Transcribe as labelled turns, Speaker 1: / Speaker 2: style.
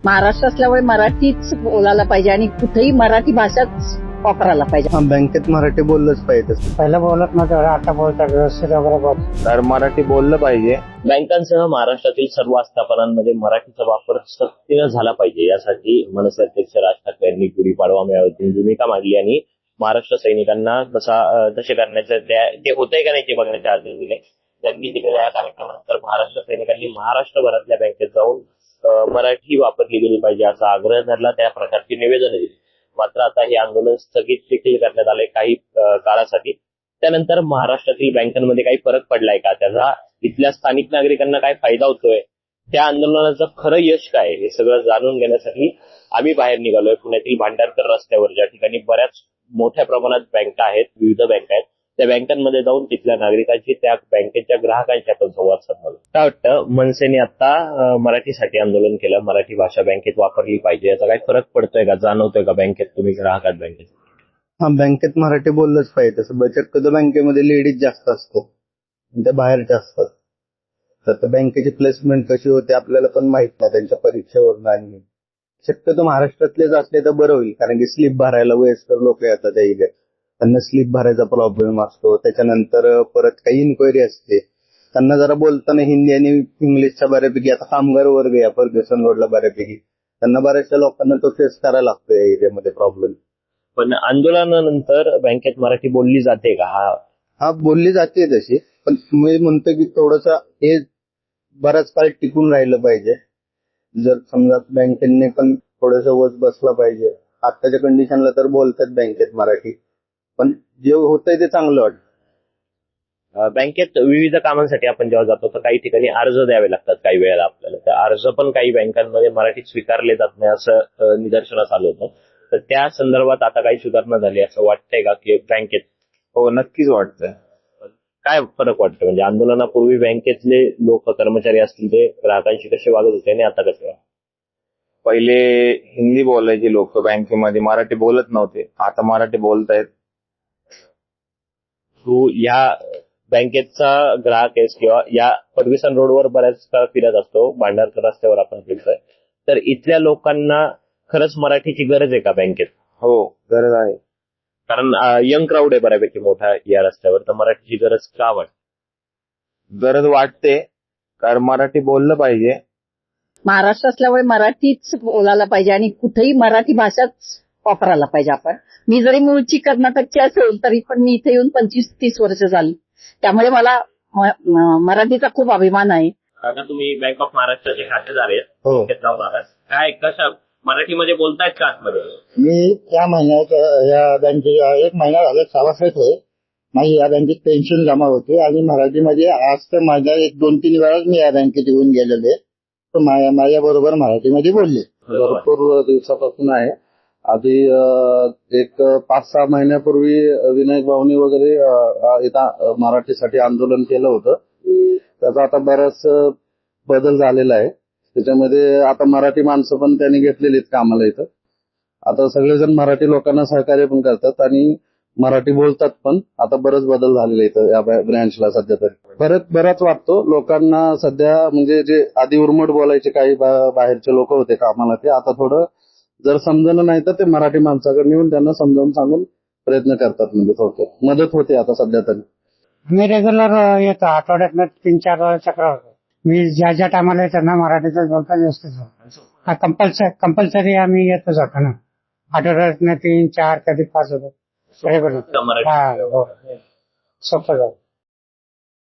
Speaker 1: महाराष्ट्र असल्यामुळे मराठीच बोलायला पाहिजे आणि कुठेही मराठी भाषाच वापरायला पाहिजे.
Speaker 2: बँकेत मराठी बोललंच पाहिजे.
Speaker 3: पहिलं बोलत नव्हतं, आता बोलतात व्यवस्थित वगैरे बोलतात.
Speaker 2: तर मराठी बोललं पाहिजे.
Speaker 4: बँकांसह महाराष्ट्रातील सर्व आस्थापनांमध्ये मराठीचा वापर सक्तीनं झाला पाहिजे यासाठी मनसे अध्यक्ष राज ठाकरे यांनी गुढीपाडवा मेळाव्यातून भूमिका मांडली आणि महाराष्ट्र सैनिकांना तसे करण्याचं ते होतंय का नाही ते बघण्याचे आदेश दिले. त्यांनी दिलेल्या या कार्यक्रमानंतर महाराष्ट्र सैनिकांनी महाराष्ट्रभरातल्या बँकेत जाऊन मराठी वापरली गेली पाहिजे असा आग्रह धरला. त्या प्रकारची निवेदन दिली. मात्र आता हे आंदोलन स्थगित देखील करण्यात आले काही काळासाठी. त्यानंतर महाराष्ट्रातील बँकांमध्ये काही फरक पडलाय का, त्याचा इथल्या स्थानिक नागरिकांना काय फायदा होतोय, त्या आंदोलनाचं खरं यश काय, हे सगळं जाणून घेण्यासाठी आम्ही बाहेर निघालोय. पुण्यातील भांडारकर रस्त्यावर ज्या ठिकाणी बऱ्याच मोठ्या प्रमाणात बँका आहेत, विविध बँका आहेत, त्या बँकांमध्ये जाऊन तिथल्या नागरिकांची, त्या बँकेच्या ग्राहकांशी आपण संवाद साधला. काय वाटतं, मनसेने आता मराठीसाठी आंदोलन केलं, मराठी भाषा बँकेत वापरली पाहिजे, याचा काय फरक पडतोय का, जाणवतोय का बँकेत, तुम्ही ग्राहकात बँकेत?
Speaker 2: बँकेत मराठी बोललंच पाहिजे. तसं बचत खाते बँकेमध्ये लेडीज जास्त असतो, त्या बाहेरच्या असतात. तर बँकेची प्लेसमेंट कशी होते आपल्याला पण माहित नाही त्यांच्या परीक्षेवरून. आणि शक्यतो महाराष्ट्रातलेच असले तर बरं होईल, कारण की स्लिप भरायला वयस्कर लोक येतात, त्यांना स्लिप भरायचा प्रॉब्लेम असतो. त्याच्यानंतर परत काही इन्क्वायरी असते, त्यांना जरा बोलताना हिंदी आणि इंग्लिशच्या बऱ्यापैकी, आता कामगार वर्ग या फर्ग्युसन रोडला बऱ्यापैकी, त्यांना बऱ्याचशा लोकांना तो फेस करायला लागतो या एरियामध्ये प्रॉब्लेम.
Speaker 4: पण आंदोलनानंतर बँकेत मराठी बोलली जाते का?
Speaker 2: हा बोलली जाते तशी, पण मी म्हणतो की थोडस हे बराच काळ टिकून राहिलं पाहिजे. जर समजा बँकेने पण थोडस वच बसला पाहिजे. आताच्या कंडिशनला तर बोलतात बँकेत मराठी, पण जे होतंय ते चांगलं वाटतं.
Speaker 4: बँकेत विविध कामांसाठी आपण जेव्हा जातो तर काही ठिकाणी अर्ज द्यावे लागतात काही वेळेला आपल्याला. त्या अर्ज पण काही बँकांमध्ये मराठीत स्वीकारले जात नाही असं निदर्शनास आलं होतं. तर त्या संदर्भात आता काही सुधारणा झाली असं वाटतंय का की बँकेत?
Speaker 2: हो, नक्कीच वाटतंय.
Speaker 4: काय फरक वाटतं, म्हणजे आंदोलनापूर्वी बँकेतले लोक, कर्मचारी असतील, ते ग्राहकांशी कसे वागत होते आणि आता कसे वागत?
Speaker 5: पहिले हिंदी बोलायचे लोक बँकेमध्ये, मराठी बोलत नव्हते, आता मराठी बोलतायत.
Speaker 4: तू या बँकेचा ग्राहक आहेस किंवा या फर्ग्युसन रोडवर बऱ्याच काळ फिरत असतो, भांडारकर रस्त्यावर आपण फिरतोय, तर इथल्या लोकांना खरंच मराठीची गरज आहे का बँकेत?
Speaker 5: हो, गरज आहे.
Speaker 4: कारण यंग क्राऊड आहे बऱ्यापैकी मोठा या रस्त्यावर, तर मराठीची गरज का वाटते?
Speaker 5: गरज वाटते, कारण मराठी बोललं पाहिजे.
Speaker 1: महाराष्ट्र असल्यामुळे मराठीच बोलायला पाहिजे आणि कुठेही मराठी भाषाच वापरायला पाहिजे. आपण, मी जरी मूळची कर्नाटकची असेल तरी पण मी इथे येऊन 25-30 वर्ष झाली, त्यामुळे मला मराठीचा खूप अभिमान आहे.
Speaker 4: काका, तुम्ही बँक ऑफ महाराष्ट्राचे खातेदार आहेत.
Speaker 2: हो.
Speaker 4: जाऊन आहात. काय कशा मराठीमध्ये बोलतायत का आतमध्ये?
Speaker 3: मी या महिन्यात या बँकेत 1 महिना झाला सभासद आहे. माझी या बँकेत पेन्शन जमा होते आणि मराठीमध्ये आज तर माझ्या 1-2-3 वेळाच मी या बँकेत येऊन गेलेले, तर माझ्या बरोबर मराठीमध्ये बोलले.
Speaker 2: भरपूर दिवसापासून आहे. आधी एक 5-6 महिन्यापूर्वी विनायक भाऊनी वगैरे इथं मराठीसाठी आंदोलन केलं होतं. त्याचा आता बराच बदल झालेला आहे. त्याच्यामध्ये आता मराठी माणसं पण त्यांनी घेतलेली आहेत कामाला इथं. आता सगळेजण मराठी लोकांना सहकार्य पण करतात आणि मराठी बोलतात पण. आता बरंच बदल झालेला इथं या ब्रँचला सध्या तरी. फरक बराच वाटतो लोकांना सध्या, म्हणजे जे आधी उर्मट बोलायचे काही बाहेरचे लोक होते कामाला, ते आता थोडं जर समजणं नाही तर ते मराठी माणसाकडे येऊन त्यांना समजावून सांगून प्रयत्न करतात, म्हणजे थोडक्यात मदत होते आता सध्या तरी.
Speaker 3: मी रेग्युलर येतो, आठवड्यातनं 3-4 वेळा चक्र होतो. मी ज्या टायमाला येतो ना मराठीतच बोलता व्यवस्थित. कंपल्सरी आम्ही येतो जातो ना, आठवड्यातनं 3-4 कधी 5 होतो रेग्युलर.
Speaker 4: मराठी
Speaker 3: हो, सोपं जातं.